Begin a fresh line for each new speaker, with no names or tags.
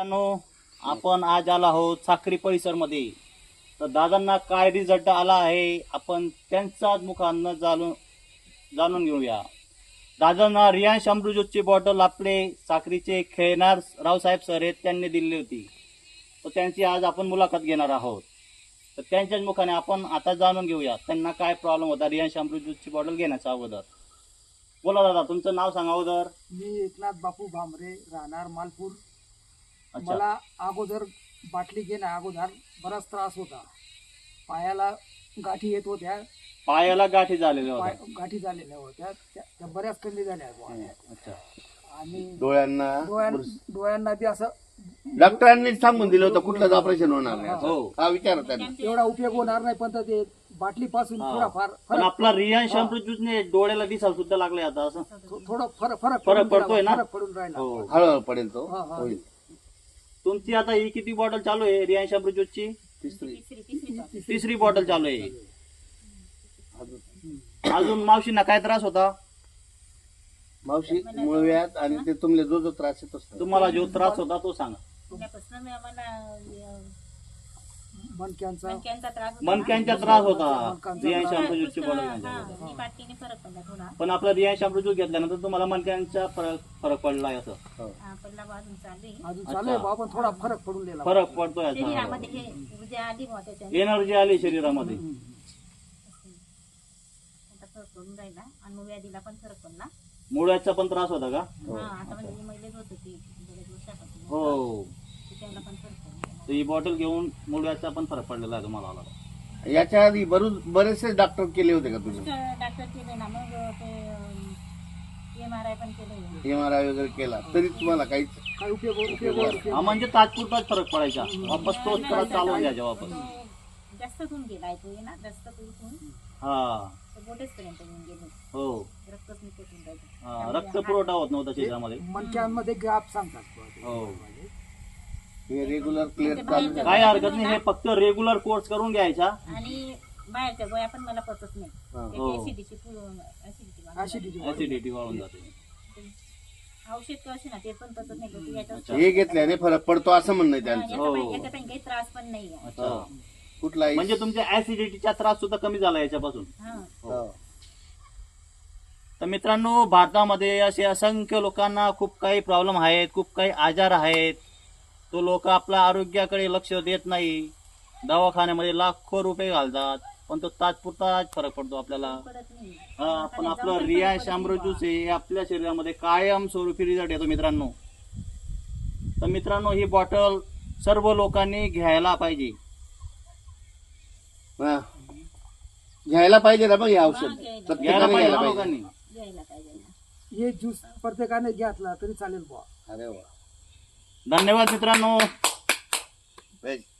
मित्रांनो, आपण आज आलो आहोत साक्री परिसर मध्ये. तर दादांना काय रिझल्ट आला आहे आपण त्यांच्याच मुखानं जाणून घेऊया. दादांना रियांश अमृतची बॉटल आपले साक्रीचे खेळणार रावसाहेब सर आहेत त्यांनी दिली होती. तर त्यांची आज आपण मुलाखत घेणार आहोत. तर त्यांच्याच मुखाने आपण आता जाणून घेऊया त्यांना काय प्रॉब्लेम होता रियांश अमृतची बॉटल घेण्याच्या अगोदर. बोला दादा, तुमचं नाव सांगा अगोदर.
मी एकनाथ बापू भामरे, राहणार मालपूर.
अच्छा.
मला अगोदर बाटली घेण्या अगोदर बराच त्रास होता. पायाला गाठी येत होत्या.
पायाला गाठी झालेल्या होत्या.
गाठी झालेल्या होत्या त्या बऱ्याच कमी झाल्या बुवा.
अच्छा.
आणि
डोळ्यांना
बी असं
डॉक्टरांनी सांगून दिलं होतं कुठलंच ऑपरेशन होणार नाही
हो.
हा विचार त्यांना
एवढा उपयोग होणार नाही, पण ते बाटली पासून थोडाफार
पण आपला रियांश अमृत ज्यूसने डोळ्याला दिसायला सुद्धा लागले आता असं
थोडं फरक
पडतोय ना?
फरक पडून राहिला.
हो.
हळूहळू पडेल तो
हा.
होईल.
तुमची आता ही किती बॉटल चालू आहे रियांश अमृत ज्यूसची?
तिसरी
तिसरी बॉटल चालू आहे. अजून मावशींना काय त्रास होता?
मावशी मुळव्यात आणि ते तुमले जो त्रास येतो
तुम्हाला जो त्रास होता तो सांगा. मनक्यांचा त्रास होता रियांश अमृत ज्यूसची बॉटल घेतल्यानंतर. पण आपला रियांश अमृत ज्यूस घेतल्यानंतर तुम्हाला मनक्यांचा फरक पडलाय असं?
अजून चालू आहे बा, पण थोडा फरक पडून दिला.
फरक पडतोय एनर्जी आली शरीरामध्ये. मुळव्याचा पण त्रास होता का? हो. तर ही बॉटल घेऊन मुळव्याचा पण फरक पडलेला आहे तुम्हाला?
याच्या आधी बरेचसे डॉक्टर केले होते का तुम्ही?
डॉक्टर केले ना, मग MRI पण केले.
MRI वगैरे केला तरी तुम्हाला काहीच
काय उपयोग
हा, म्हणजे तात्पुरताच फरक पडायचा, वापस तोच त्रास चालवून द्यायचा वापस.
जास्त होऊन गेला तो ना, जास्त करून
हा.
बोटेच पर्यंत येऊन गेले.
हो.
रक्तच निघून राहिलं.
हा, रक्त पुरवठा होत नव्हता शरीरामध्ये.
मनक्यांमध्ये गॅप सांगतात.
हो.
हे रेग्युलर क्लिअर चालू
काय हरकत नाही, हे फक्त रेग्युलर कोर्स करून घ्यायचा.
आणि बाहेरच्या गोळ्या पण मला पचत नाही.
हो. ऍसिडिटी वाढून जाते.
औषध कसे ना ते पण पचत नाही. याच्यात
हे घेतल्याने फरक पडतो असं म्हणणं आहे त्यांचं.
याच्यापायी काही त्रास पण नाही.
अच्छा.
कुठलाही
म्हणजे तुमच्या ऍसिडिटीचा त्रास सुद्धा कमी झाला याच्यापासून.
हो.
तर मित्रांनो, भारतामध्ये असे असंख्य लोकांना खूप काही प्रॉब्लेम आहेत, खूप काही आजार आहेत. तो लोक आपल्या आरोग्याकडे लक्ष देत नाही. दवाखान्यामध्ये लाखो रुपये घालतात, पण तो तात्पुरताच फरक पडतो आपल्याला. हा, पण आपलं रियांश अमृत ज्यूस हे आपल्या शरीरामध्ये कायम स्वरूपी रिझल्ट येतो मित्रांनो. तर मित्रांनो, ही बॉटल सर्व लोकांनी घ्यायला पाहिजे.
हा. घ्यायला पाहिजे ना मग हे औषध
घ्यायला
प्रत्येकाने
पाहिजे
घ्यायला
ना
पाहिजे.
लोकांनी.
घ्यायला पाहिजे.
हे ज्यूस प्रत्येकाने घेतला तरी चालेल बुवा.
अरे वा.
धन्यवाद मित्रांनो.
वेज.